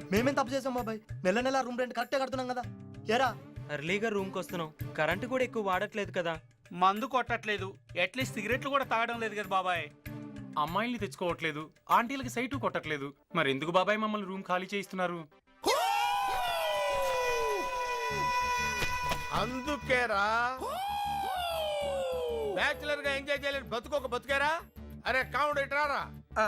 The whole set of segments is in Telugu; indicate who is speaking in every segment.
Speaker 1: మేమేం తప్పు చేసాం బాబాయ్? నెల నెల రూమ్ రెంట్ కరెక్టే కడుతున్నాం కదా. ఏరా
Speaker 2: ఎర్లీగా రూమ్కి వస్తున్నాం, కరెంటు కూడా ఎక్కువ వాడట్లేదు కదా.
Speaker 3: మందు కొట్టట్లేదు, అట్లీస్ట్ సిగరెట్లు కూడా తాగడం లేదు కదా బాబాయ్.
Speaker 4: అమ్మాయిల్ని తెచ్చుకోవట్లేదు, ఆంటీలకి సైటు కొట్టట్లేదు. మరి ఎందుకు బాబాయ్ మమ్మల్ని రూమ్ ఖాళీ చేయిస్తున్నారు?
Speaker 5: అందుకేరా బ్యాచులర్ గా ఎంజాయ్ చేయలేని బతుకోక బతుకేరా. అరే కావుడు ఇట్రారా.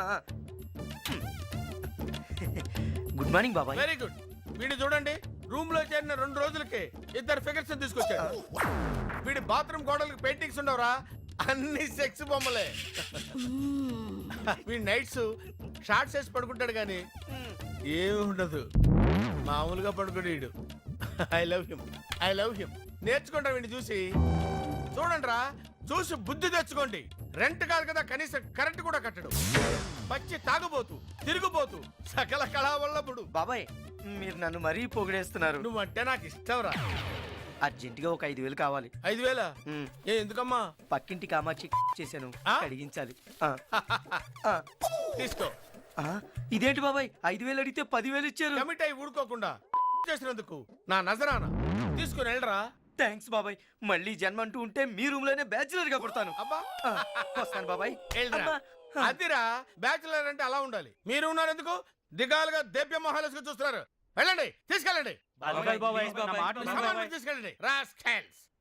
Speaker 1: గుడ్ మార్నింగ్ బాబాయ్.
Speaker 5: Very good. వీడు చూడండి, రూమ్ లో చేరిన 2 రోజులకి 2 ఫిగర్స్ తీసుకొచ్చాడు. వీడి బాత్రూమ్ గోడలకు పెయింటింగ్స్ ఉండవురా, అన్ని సెక్స్ బొమ్మలే. వీడి నైట్స్ షార్ట్స్ వేసి పడుకుంటాడు కానీ ఏమి ఉండదు, మామూలుగా పడుకోడు వీడు. I love him, I love him. నేర్చుకుంటా వీడిని చూసి. చూడండి రా, చూసి బుద్ధి తెచ్చుకోండి. రెంట్ కాదు కదా, కనీసం కరెంట్ కూడా కట్టడు. పచ్చి తాగుబోతు, తిరుగుబోతు, సకల కళావల్లభుడు.
Speaker 1: బాబాయ్ మీరు నన్ను మరీ పొగిడేస్తున్నారు.
Speaker 5: నువ్వంటే నాకు ఇష్టం రా.
Speaker 1: అర్జెంటుగా ఒక 5,000 కావాలి.
Speaker 5: 5,000? ఏ ఎందుకమ్మా?
Speaker 1: పక్కింటి కామాచి చేశాను, అడిగించాలి.
Speaker 5: తీసుకో.
Speaker 1: ఇదేంటి బాబాయ్, 5,000 అడిగితే 10,000 ఇచ్చారు.
Speaker 5: కమిట్ అయి ఊరుకోకుండా చేసినందుకు నా నజరానా. తీసుకుని వెళ్ళరా.
Speaker 1: థ్యాంక్స్ బాబాయ్. మళ్ళీ జన్మ అంటూ ఉంటే మీ రూమ్ లోనే బ్యాచులర్ గా పుడతాను.
Speaker 5: అబ్బా
Speaker 1: వస్తాను బాబాయ్.
Speaker 5: అదిరా బ్యాచులర్ అంటే అలా ఉండాలి. మీరు ఉన్నారు ఎందుకు దిగాలుగా దేవ్య మహాలస్గా చూస్తున్నారు? వెళ్ళండి, తీసుకెళ్ళండి. తీసుకెళ్ళండి. రాస్కెల్స్.